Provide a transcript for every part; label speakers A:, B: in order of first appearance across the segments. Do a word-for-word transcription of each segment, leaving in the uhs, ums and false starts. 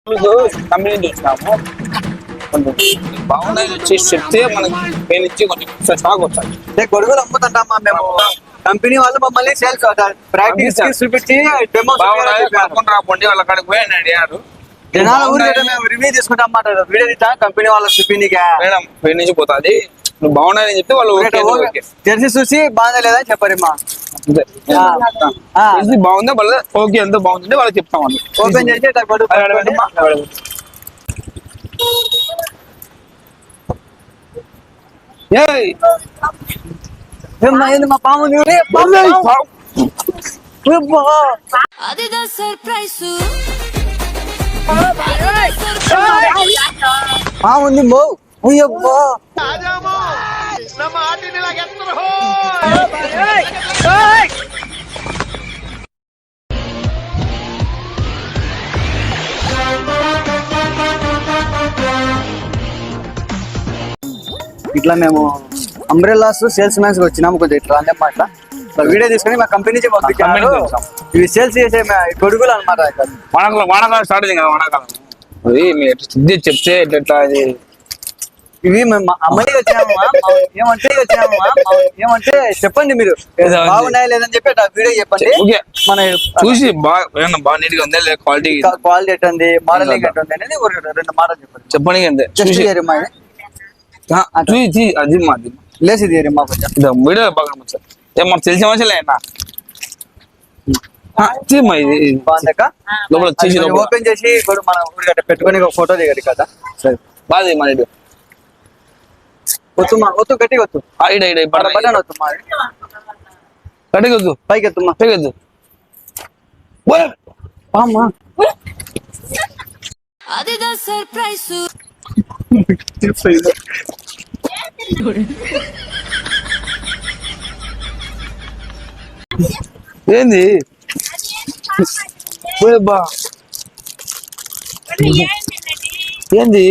A: Company చూసినాము బాగున్నాయి వచ్చి చెప్తే మనకి పైన నుంచి కొంచెం స్టాక్ వచ్చాయి.
B: గొడుగులు అమ్ముతుంటామా మేము, కంపెనీ వాళ్ళు మమ్మల్ని సేల్స్ ప్రాక్టీస్ చూపించి
A: రాకండి వాళ్ళ కాడికి పోయి అడిగారు.
B: జనాల ఊరికి మేము రివ్యూ తీసుకుంటాం అన్నమాట. వీడియో తీసా కంపెనీ వాళ్ళ చూపించే
A: మేడం పైన నుంచి పోతుంది, నువ్వు బాగున్నాయని చెప్తే వాళ్ళు
B: జెర్సీ చూసి బాగా లేదని చెప్పారమ్మా.
A: బాగుందా వాళ్ళ ఓకే ఎంత బాగుందంటే వాళ్ళకి చెప్తాం. వాళ్ళు
B: ఓపెన్ చేసి మా పాము పాముంది మో అయ్యబ్బా ఇట్లా మేము అంబ్రెల్లాస్ సేల్స్ మ్యాన్స్ వచ్చినాము. కొంచెం ఇట్లా అన్నమాట వీడియో తీసుకొని మా కంపెనీ నుంచి పంపించాము. ఇవి సేల్స్ చేసే గొడుగులు అనమాట.
A: వానాకాలం వానాకాలం స్టార్ట్ అయింది కదా, వానాకాలం అది మీరు చెప్తే ఎట్లా అది
B: ఇవి అమ్మాయి వచ్చామమ్మా ఏమంటే వచ్చామమ్మా ఏమంటే చెప్పండి మీరు బాగున్నాయా లేదని చెప్పి వీడియో చెప్పండి. మన
A: చూసి బాగా బాగా నీట్ గా ఉందా క్వాలిటీ
B: క్వాలిటీ ఎట్టుంది మోడల్ ఎట్టుంది అనేది రెండు మాటలు చెప్పండి.
A: చెప్పండి అంతే అది మాది
B: లేసి మా కొంచెం
A: వీడియో బాగా మనకు తెలిసిన మనుషులే
B: ఓపెన్ చేసి మనం పెట్టుకొని ఒక ఫోటో దిగారు కదా.
A: సరే బాగా మన
B: వద్దు మా వద్దు గట్టిగా వద్దు
A: బటన్
B: వద్దు మా
A: గట్టిగా వద్దు
B: పైకి ఎత్తుమ్మా
A: పైకి వద్దు
B: అమ్మా
A: ఏంది బా ఏంది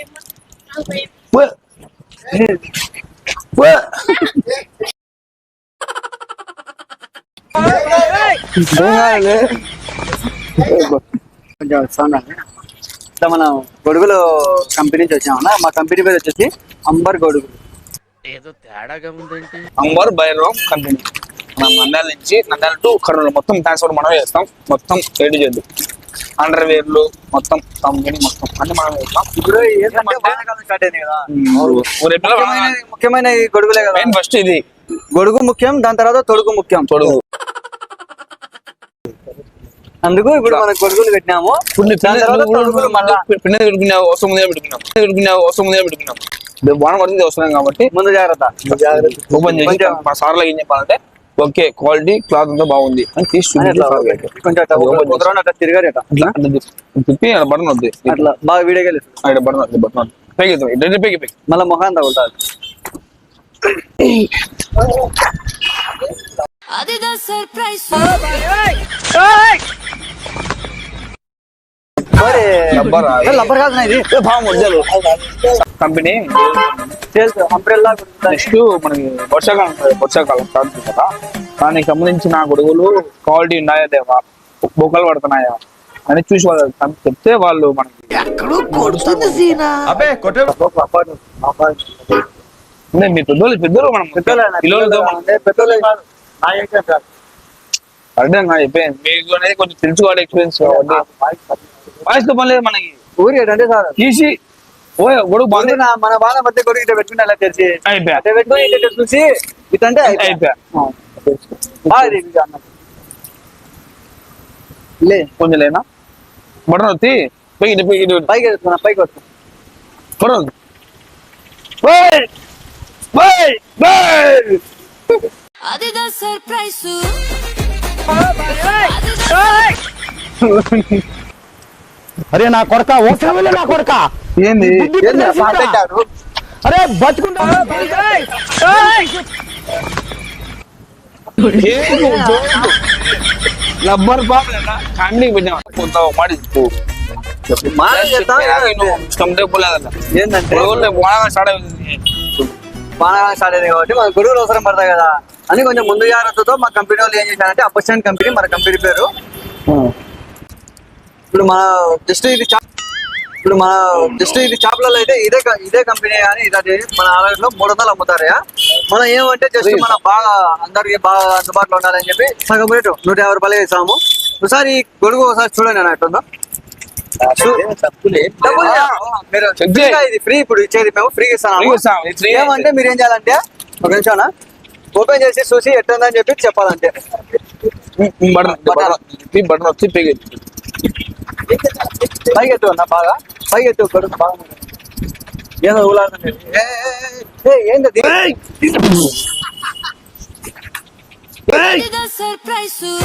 B: కొంచెం మనం గొడుగులు కంపెనీ నుంచి వచ్చామన్నా. మా కంపెనీ పేరు వచ్చేసి అంబర్ గొడుగులు.
C: ఏదో తేడాగా ఉందంటే
A: అంబర్ బైరోమ్ కంపెనీ. మనం నంద్యాల నుంచి నంద్యాల టు కర్నూలు మొత్తం ట్రాన్స్పోర్ట్ మనం చేస్తాం. మొత్తం ఏడు చేద్దు అండర్ వేర్లు మొత్తం కంపెనీ మొత్తం అన్ని మనం చేస్తాం.
B: ఇప్పుడు స్టార్ట్ అయింది కదా, ముఖ్యమైన గొడుగులే కదా.
A: ఫస్ట్ ఇది
B: గొడుగు ముఖ్యం, దాని తర్వాత తొడుగు ముఖ్యం.
A: తొడుగు
B: అందుకు ఇప్పుడు మనం గొడుగులు పెట్టినాము.
A: పిండి పెట్టుకున్నావు అవసరం ముందే పెట్టుకున్నాం పెట్టుకున్నావు అవసరం ముందే పెట్టుకున్నాం బాగా పడుతుంది అవసరం కాబట్టి
B: ముందు జాగ్రత్త
A: ఓపెన్ చేసి మా సార్లు ఏం చెప్పాలంటే ఓకే క్వాలిటీ క్లాత్ అంతా బాగుంది అని తీసి
B: తిరిగారు
A: తిప్పి బటన్ వద్దు
B: అట్లా బాగా వీడియో
A: బటన్ వద్దు బటన్ పైకి పైకి పైకి
B: మళ్ళీ మొహం తగులుతారు.
A: కంపెనీ నెక్స్ట్ మనకి వర్షాకాలం వర్షాకాలం స్టార్ట్ కదా, దానికి సంబంధించిన గొడుగులు క్వాలిటీ ఉన్నాయా లేవా, బొక్కలు పడుతున్నాయా అని చూసి వాళ్ళు చెప్తే వాళ్ళు మనకి మీ పెద్దోళ్ళు పెద్దోళ్ళు మనం అర్థం కాదు చెప్పేది మీకు అనేది కొంచెం తెలుసుకోవాలి ఎక్స్పీరియన్స్ వాయిస్ తో పని లేదు మనకి.
B: ఊరి అంటే సార్
A: తీసి ఓ గొడుగు బాగుంది
B: మన వాళ్ళ మధ్య గొడుగు ఇట్లా పెట్టుకుని అలా తెరిచి
A: అయిపోయా
B: పెట్టుకుని చూసి ఇటంటే
A: అయిపోయా
B: లే
A: కొంచెం లేనా బటన్ వచ్చి పైకి పైకి
B: పైకి వెళ్తున్నా పైకి వస్తున్నా
A: బటన్
C: అరే నా కొడక ఓకే నా కొడక
A: ఏంది
C: అరే బతుకుంటా
A: రబ్బర్ బాబు ఫ్యామిలీకి పెట్టినా కొంత మాడి
B: ఏంటంటే
A: స్టార్ట్ అవుతుంది
B: బాగా స్టార్ట్ అయింది కాబట్టి మన గొడుగులు అవసరం పడతాయి కదా అని కొంచెం ముందు జాగ్రత్తతో మా కంపెనీ వాళ్ళు ఏం చేశారంటే అపర్చునిటీ కంపెనీ మన కంపెనీ పేరు. ఇప్పుడు మన జస్ట్ ఇది ఇప్పుడు మన జస్ట్ ఇది షాపులలో అయితే ఇదే క- ఇదే కంపెనీ కానీ ఇది మన ఆలయంలో మూడు వందలు అమ్ముతారయా. మనం ఏమంటే జస్ట్ మన బాగా అందరికి బాగా అందుబాటులో ఉండాలని చెప్పి సగం రేటు నూట యాభై రూపాయలు ఇస్తాము. ఒకసారి ఈ గొడుగు ఒకసారి చూడండి అని అంటుందో డబ్బులు
A: ఆ,
B: మీరు
A: చెక్
B: ఫ్రీగా
A: చేయి.
B: ఇది ఫ్రీ ఇప్పుడు ఇచ్చేది మేము ఫ్రీగా ఇస్తాము.
A: ఫ్రీగా ఇస్తాం, ఇది ఫ్రీ
B: ఏమంటే మీరు ఏం చేయాలంటే ఒక నిమిషం ఓపెన్ చేసి చూసి ఎట్టుందని చెప్పి చెప్పాలంటే
A: బటన్ బటన్ బటన్ వచ్చి పేగ
B: పైకి ఎత్తు అన్న బాగా పైకి ఎత్తు గొడుగు బాగా ఏదో ఊలాడుతుంది. ఏ, ఏ, ఏ, ఏ, ఏంటది
D: Did a surprise you?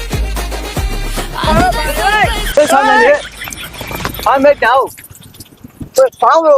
B: ఏ, సామండి. పాము పెట్టావు ఏ, పాము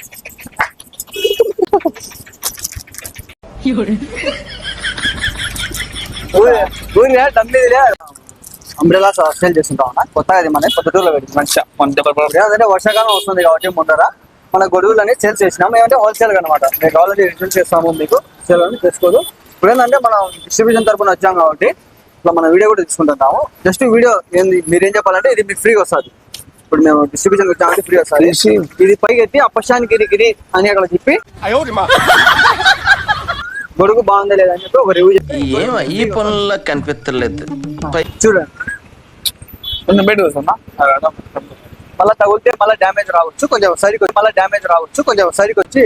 B: ఊరి- ఊరిలే డమ్మీదిలే అంబ్రెలా సేల్ చేస్తుంటాం అన్న కొత్తగా అది మన పొద్దుటూరులో పెట్టి
A: మంచిగా కొంత
B: ఏదంటే వర్షాకాలం వస్తుంది కాబట్టి ముందర మన గొడుగులని సేల్ చేసినాం. ఏమంటే హోల్సేల్ అనమాట. మీకు ఆల్రెడీ రిటర్న్ చేస్తాము, మీకు సేల్ అని తెచ్చుకోదు. ఇప్పుడు ఏంటంటే మనం డిస్ట్రిబ్యూషన్ తరపున వచ్చాం కాబట్టి ఇట్లా మన వీడియో కూడా తీసుకుంటున్నాము. జస్ట్ వీడియో ఏంది మీరు ఏం చెప్పాలంటే ఇది మీకు ఫ్రీగా వస్తుంది. ఇప్పుడు మేము డిస్ట్రిబ్యూషన్ వచ్చామంటే ఫ్రీ వస్తుంది. ఇది పైకి ఎత్తి అప్పశాని గిరి గిరి అని అక్కడ చెప్పి గొడుగు బాగుందా లేదా అని చెప్పి ఒక రివ్యూ
E: ఏమో ఈ పనుల్లో కనిపించలేదు
B: చూడండి.
A: కొంచెం బయట వస్తుందా
B: మళ్ళీ తగిలితే మళ్ళీ డ్యామేజ్ రావచ్చు, కొంచెం సరికి వచ్చి మళ్ళీ డ్యామేజ్ రావచ్చు, కొంచెం సరికి వచ్చి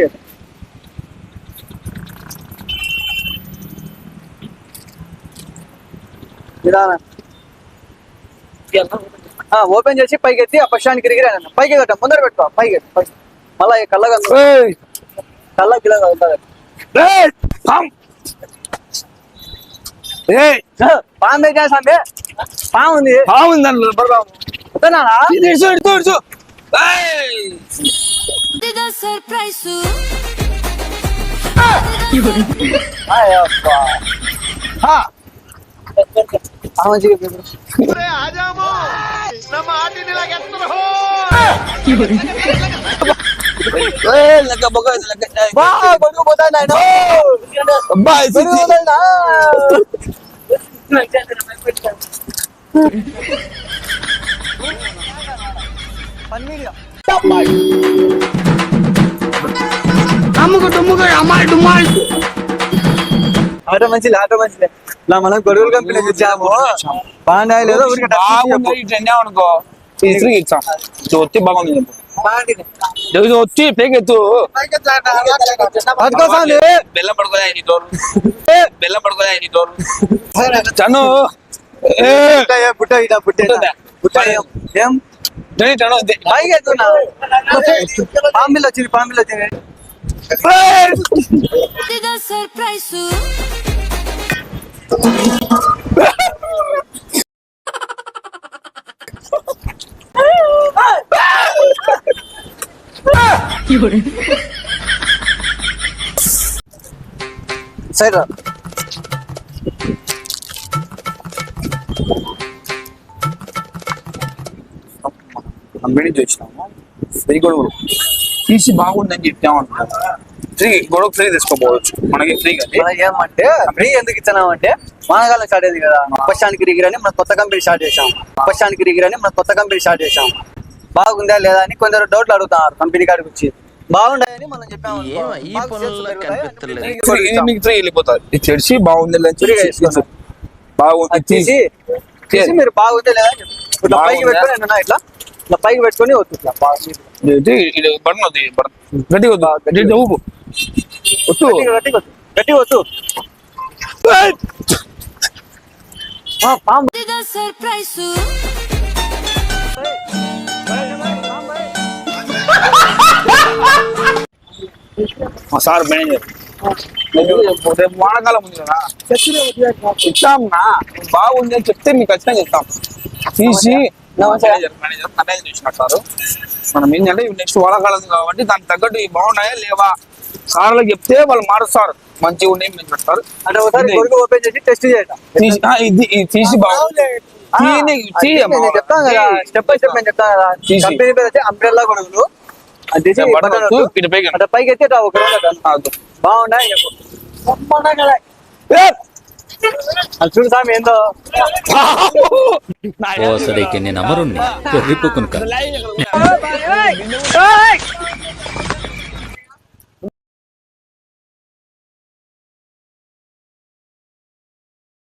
B: విధానం ఓపెన్ చేసి పైకి ఎత్తి ఆ పక్షానికి గిరిగిరి అన్న పైకి కట్ట ముందర పెట్టుకో పైకి ఎత్తి పైకి మళ్ళీ కళ్ళగా కళ్ళ గిల్ల తగులుతుంది. పాము పెట్టా సామి పాము ఉంది
A: బాగుంది దాంట్లో
B: వద్దనానా?
D: Did a surprise you?
B: ఆయ్ అబ్బా. ఆ మంచిగా చెప్పు. బా, గొడుగు పోతాడు నాయన. గొడుగు పోతాడునా? పన్నీరు. ఆటో మంచిది ఆటో మంచిది ఇలా మనం గొడుగుల కంపెనీ ఇచ్చాము బాగున్నాయి లేదో ఊరికే టచ్ చేసి చెప్పు.
A: బాగుంది ఇట్లా అనుకో ఫ్రీ ఇచ్చాం ఇది వచ్చి బాగుంది చెప్పు
B: బాగుంది.
A: ఇది వచ్చి పేకెత్తు
B: పట్టుకోసాలి.
A: బెల్లం పడుకోలే నీ తోలు బెల్లం పడుకోలే నీ తోలు చను ఏ
B: బుట్ట ఏ, బుట్ట ఇదా, బుట్ట ఇదా. బుట్ట ఏం? ఏం
A: జని చను దే-
B: పైకి ఎత్తున్నా పాంబిల్ వచ్చింది పాంబిల్ వచ్చింది
D: Did a surprise you?
B: Side రా.
A: కంపెనీ చూసినాము ఫ్రీ గొడవలు తీసి బాగుందని చెప్పామంటున్నాను ఫ్రీ గొడవ ఫ్రీ తీసుకోపోవచ్చు మనకి ఫ్రీ కానీ
B: మనం ఏమంటే ఫ్రీ ఎందుకు ఇచ్చినాం అంటే వానకాలం స్టార్ట్ అయింది కదా అప్పశానికి రిగిరి అని మన కొత్త కంపెనీ స్టార్ట్ చేసాం అప్పశానికి రిగిరి అని మన కొత్త కంపెనీ స్టార్ట్ చేసాం బాగుందా లేదా అని కొందరు డౌట్లు అడుగుతున్నారు కంపెనీ కాడికి వచ్చి బాగుండాయని మనం చెప్పాము అనుకో.
E: ఏమో ఈ
B: మాకు
E: పనుల్లో
B: sales పెరుగుతాయి అని
E: కనిపించలేదు.
B: free గా
A: ఫ్రీ ఇది
B: ఇస్తాం.
A: మీకు ఫ్రీ వెళ్ళిపోతుంది ఇది చెడిసి బాగుంది లేదని
B: ఫ్రీగా
A: చెప్పి
B: ఇస్తున్నాం.
A: బాగుంది
B: అది తీసి తీసి మీరు బాగుందే లేదా అని చెప్పు. ఇట్లా పైకి
A: బాగుందా?
B: పెట్టుకొని ఏంటన్నా ఇట్లా ఇట్లా పైకి పెట్టుకొని వద్దు ఇట్లా బాగా
A: ఇది ఇది బటన్ వద్దు ఈ బటన్ గట్టి వద్దు గట్టి ఊపు వద్దు
B: గట్టి గట్టి గట్టి వద్దు ఆ, పాము
D: Did a surprise you?
A: మా సార్ మేనేజర్ రేపు వానకాలం ఉంది కదా ఇస్తాంనా బాగుంది అని చెప్తే మీకు ఖచ్చితంగా ఇస్తాం తీసి మేనేజర్ మేనేజర్ మేనేజర్ చూసిన సార్ మనం ఏంటంటే నెక్స్ట్ వానకాలం ఉంది కాబట్టి దానికి తగ్గట్టు ఇవి బాగున్నాయా లేవా సార్లకు చెప్తే వాళ్ళు మారుస్తారు మంచిగా ఉన్నాయి మేము చెప్తారు
B: అంటే ఒకసారి
A: ఇది
B: గొడుగు ఓపెన్ చేసి టెస్ట్ చేయటం
A: తీసి ఆ, ఇది ఇది తీసి బాగుంది తీయని- తీయమ్మా.
B: నేను చెప్తాను కదా స్టెప్ బై స్టెప్ నేను చెప్తాను కదా
A: తీసి.
B: కంపెనీ పేరు వచ్చి అంబ్రెల్లా గొడుగులు అది తీసి
A: బటన్
B: బటన్
A: వద్దు,
B: వద్దు.
A: ఇటు పైకి.
B: అంటే పైకి ఎత్తి ఇట్లా ఒక రౌండ్ అట్లా.
A: ఆ, వద్దు.
B: బాగున్నాయి చెప్పు. అది చూడు సామి ఏందో
C: ఓ సరికి నేను అమరుణ్ణి వెర్రిపోకును కాదు
A: లైవ్